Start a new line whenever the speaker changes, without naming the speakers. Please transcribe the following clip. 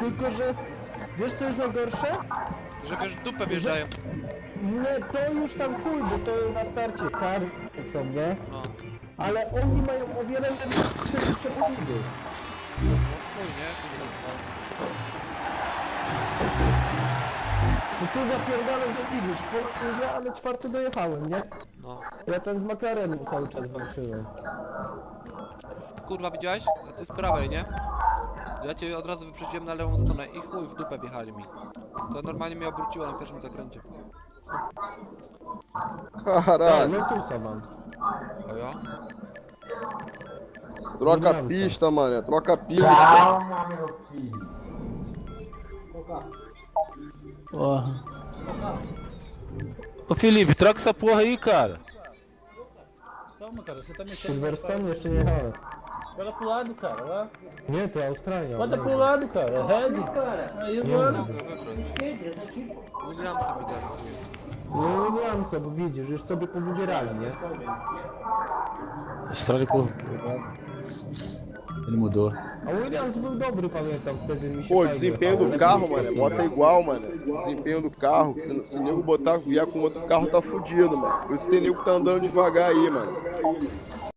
Tylko, że wiesz co jest najgorsze?
Że wiesz, w dupę wjeżdżają.
Nie, to już tam chuj, bo to na starcie kary są, nie?
No.
Ale oni mają o wiele lepsze przepudy.
No chuj, nie?
No tu zapierdalam, że widzisz, Polskę nie, ale czwarty dojechałem, nie?
No.
Ja ten z McLarenem cały czas walczyłem.
Kurwa, widziałeś? A ty z prawej, nie? Ja cię od razu wyprzedziłem na lewą stronę i chuj, w dupę wjechali mi. To normalnie mnie obróciło na pierwszym zakręcie.
Caralho.
Lotusa mam.
A ja?
Troca pista, mané. Troca pista.
Calma, meu filho.
Porra. Ô Felipe, troca essa porra aí, cara. Calma, cara, você tá mexendo.
Silverstone jeszcze nie jechałem.
Joga pro lado, cara, lá.
Nie, to Australia.
Bota pro lado, cara. Red. Aí, bora.
Mogę wybrać. Williamsa mi dali.
No nie mam sobie, widzisz, już sobie powybierali, nie?
Estrada por. Ele mudou.
A Williams był dobry, pamiętam, wtedy mi się
Pô, o
fajnie
desempenho
jechało,
do
lepiej
carro,
niż
mano,
to
bota
Senna.
igual, mano. O desempenho do carro, se o nego botar, vier com outro carro, tá fudido, mano. Por isso tem nego que tá andando devagar aí, mano.